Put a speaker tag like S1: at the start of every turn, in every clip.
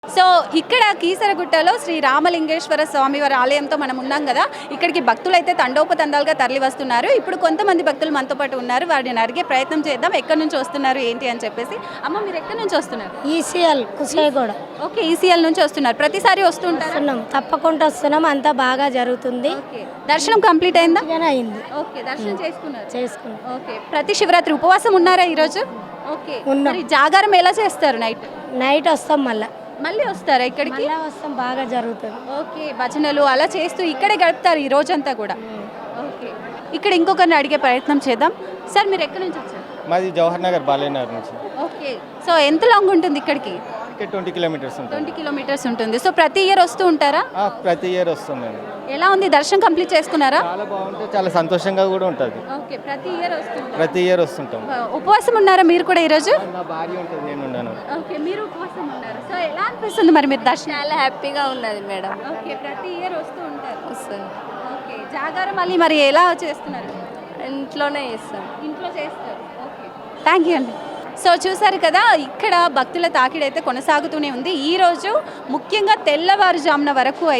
S1: So ఇక్కడ కీసరగుట్టలో శ్రీ రామలింగేశ్వర స్వామి వారి ఆలయంతో మనం ఉన్నాం కదా. ఇక్కడికి భక్తులు అయితే తండోపతండాలుగా తరలి వస్తున్నారు. ఇప్పుడు కొంతమంది భక్తులు మనతో పాటు ఉన్నారు. వారిని అడిగే ప్రయత్నం చేద్దాం, ఎక్కడి నుంచి వస్తున్నారు ఏంటి అని చెప్పేసి. అమ్మ, మీరు ఎక్కడి నుంచి వస్తున్నారు?
S2: ఈసీఎల్ కుషాయిగూడ.
S1: ఓకే, ఈసీఎల్ నుంచి వస్తున్నారు. ప్రతిసారి వస్తుంటారు?
S2: తప్పకుండా వస్తున్నాం, అంతా బాగా జరుగుతుంది.
S1: దర్శనం కంప్లీట్ అయిందా?
S2: అయింది.
S1: ఓకే, దర్శనం చేసుకున్నారు. ఓకే, ప్రతి శివరాత్రి ఉపవాసం ఉన్నారా ఈరోజు? ఓకే, మరి జాగారం ఎలా చేస్తారు?
S2: నైట్ వస్తాం,
S1: మళ్ళీ వస్తారా ఇక్కడికి?
S2: వస్తాం, బాగా జరుగుతుంది.
S1: ఓకే, భజనలు అలా చేస్తూ ఇక్కడే గడుపుతారు ఈ రోజంతా కూడా. ఓకే, ఇక్కడ ఇంకొకరిని అడిగే ప్రయత్నం చేద్దాం. సార్, మీరు ఎక్కడి నుంచి వచ్చారు?
S3: మాది జవహర్ నగర్ బాలేనగర్ నుంచి.
S1: ఓకే, సో ఎంత లాంగ్ ఉంటుంది ఇక్కడికి?
S3: 20 కిలోమీటర్స్ ఉంటుంది.
S1: 20 కిలోమీటర్స్ ఉంటుంది. సో ప్రతి ఇయర్ వస్తూ ఉంటారా?
S3: ప్రతి ఇయర్ వస్తుందండి.
S1: ఎలా ఉంది, దర్శనం కంప్లీట్ చేసుకున్నారా?
S3: చాలా బాగుంటుంది, చాలా సంతోషంగా కూడా ఉంటుంది.
S1: ఓకే, ప్రతి
S3: ఇయర్ వస్తుంటాం.
S1: ఉపవాసం ఉన్నారా మీరు కూడా ఈరోజు?
S3: నా భార్య ఉంటుంది, నేను ఉన్నాను.
S1: ఓకే, మీరు ఉపవాసం ఉన్నారు. సో ఎలా అనిపిస్తుంది మరి మీరు దర్శనం?
S4: చాలా హ్యాపీగా ఉన్నది మేడం.
S1: ఓకే, ప్రతి ఇయర్ వస్తూ ఉంటారు.
S4: వస్తుంది.
S1: ఓకే, జాగారం మళ్ళీ మరి ఎలా చేస్తున్నారు?
S4: ఇంట్లోనే చేస్తాం.
S1: ఇంట్లో చేస్తారు. ఓకే, థ్యాంక్ యూ అండి. సో చూసారు కదా, ఇక్కడ భక్తుల తాకిడైతే కొనసాగుతూనే ఉంది. ఈరోజు ముఖ్యంగా తెల్లవారుజామున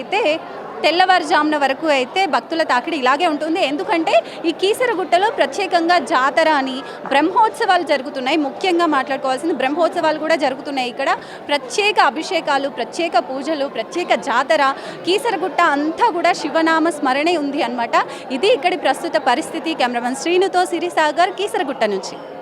S1: వరకు అయితే భక్తుల తాకిడి ఇలాగే ఉంటుంది. ఎందుకంటే ఈ కీసరగుట్టలో ప్రత్యేకంగా జాతర అని బ్రహ్మోత్సవాలు జరుగుతున్నాయి. ముఖ్యంగా మాట్లాడుకోవాల్సింది బ్రహ్మోత్సవాలు కూడా జరుగుతున్నాయి. ఇక్కడ ప్రత్యేక అభిషేకాలు, ప్రత్యేక పూజలు, ప్రత్యేక జాతర. కీసరగుట్ట అంతా కూడా శివనామ స్మరణే ఉంది అన్నమాట. ఇది ఇక్కడి ప్రస్తుత పరిస్థితి. కెమెరామెన్ శ్రీనుతో సిరిసాగర్, కీసరగుట్ట నుంచి.